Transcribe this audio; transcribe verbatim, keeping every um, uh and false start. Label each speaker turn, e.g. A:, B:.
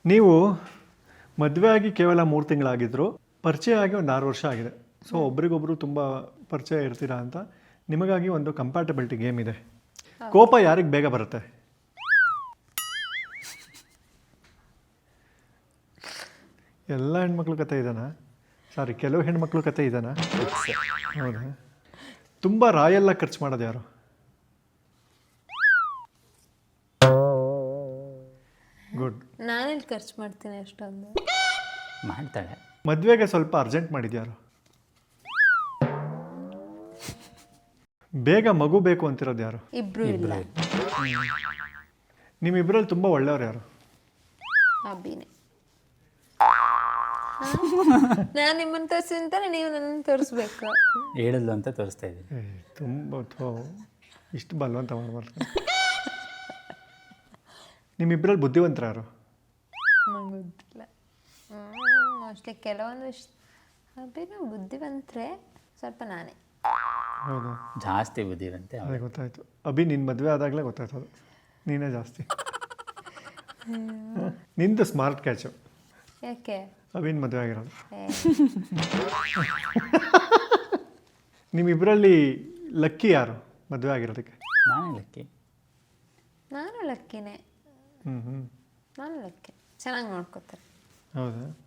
A: ನೀವು ಮದುವೆ ಆಗಿ ಕೇವಲ ಮೂರು ತಿಂಗಳಾಗಿದ್ರು, ಪರಿಚಯ ಆಗಿ ಒಂದು ಆರು ವರ್ಷ ಆಗಿದೆ. ಸೊ ಒಬ್ರಿಗೊಬ್ರು ತುಂಬ ಪರಿಚಯ ಇರ್ತೀರಾ ಅಂತ ನಿಮಗಾಗಿ ಒಂದು ಕಂಪ್ಯಾಟಬಿಲಿಟಿ ಗೇಮ್ ಇದೆ. ಕೋಪ ಯಾರಿಗೆ ಬೇಗ ಬರುತ್ತೆ? ಎಲ್ಲ ಹೆಣ್ಮಕ್ಳು ಕತೆ ಇದಾನ? ಸಾರಿ, ಕೆಲವು ಹೆಣ್ಮಕ್ಳು ಕತೆ ಇದಾನ? ಹೌದಾ? ತುಂಬ ರಾಯೆಲ್ಲ ಖರ್ಚು ಮಾಡೋದು ಯಾರು? ಗುಡ್.
B: ನಾನೆಲ್ಲಿ ಖರ್ಚು ಮಾಡ್ತೀನಿ ಅಷ್ಟೊಂದು.
C: ಮಾಡ್ತಾಳೆ.
A: ಮದುವೆಗೆ ಸ್ವಲ್ಪ ಅರ್ಜೆಂಟ್ ಮಾಡಿದ್ಯಾರು? ಬೇಗ ಮಗು ಬೇಕು ಅಂತಿರೋದು ಯಾರು?
B: ಇಬ್ರು ಇಲ್ಲ.
A: ನಿಮ್ಮಿಬ್ಬರಲ್ಲಿ ತುಂಬ ಒಳ್ಳೆಯವ್ರು ಯಾರು?
B: ಅಭಿನೇ. ನಾನು ನಿಮ್ಮನ್ನು ತೋರಿಸಿ ಅಂತಾನೆ ನೀವು ನನ್ನನ್ನು ತೋರಿಸ್ಬೇಕು.
C: ಹೇಳಿದ್ಲು ಅಂತ ತೋರಿಸ್ತಾ ಇದ್ದೀನಿ.
A: ಏ ತುಂಬ ಥೋ ಇಷ್ಟು ಬಲವಂತ ಮಾಡಬಾರ್ದು. ನಿಮ್ಮಿಬ್ಬರಲ್ಲಿ ಬುದ್ಧಿವಂತರ ಯಾರು?
B: ನಂಗೆ ಗೊತ್ತಿಲ್ಲ. ಮೋಸ್ಟ್ಲಿ ಕೆಲವೊಂದು ವಿಷ ಅಭಿನೂ ಬುದ್ಧಿವಂತರೆ, ಸ್ವಲ್ಪ ನಾನೇ.
A: ಹೌದು,
C: ಜಾಸ್ತಿ ಬುದ್ಧಿವಂತೆ.
A: ಅದೇ ಗೊತ್ತಾಯ್ತು. ಅಭಿ ನಿನ್ನ ಮದುವೆ ಆದಾಗಲೇ ಗೊತ್ತಾಯ್ತು ಅದು ನೀನೇ ಜಾಸ್ತಿ. ನಿಂದು ಸ್ಮಾರ್ಟ್ ಕ್ಯಾಚು.
B: ಯಾಕೆ?
A: ಅಭಿನ ಮದುವೆ ಆಗಿರೋದು.
B: ಏ,
A: ನಿಮ್ಮಿಬ್ಬರಲ್ಲಿ ಲಕ್ಕಿ ಯಾರು ಮದುವೆ ಆಗಿರೋದಕ್ಕೆ?
C: ನಾನೇ ಲಕ್ಕಿ.
B: ನಾನು ಲಕ್ಕಿನೇ.
A: ಹ್ಞೂ ಹ್ಞೂ
B: ನಾನು ಲಕ್ಕಿ. ಚೆನ್ನಾಗಿ ನೋಡ್ಕೋತಾರೆ.
A: ಹೌದಾ?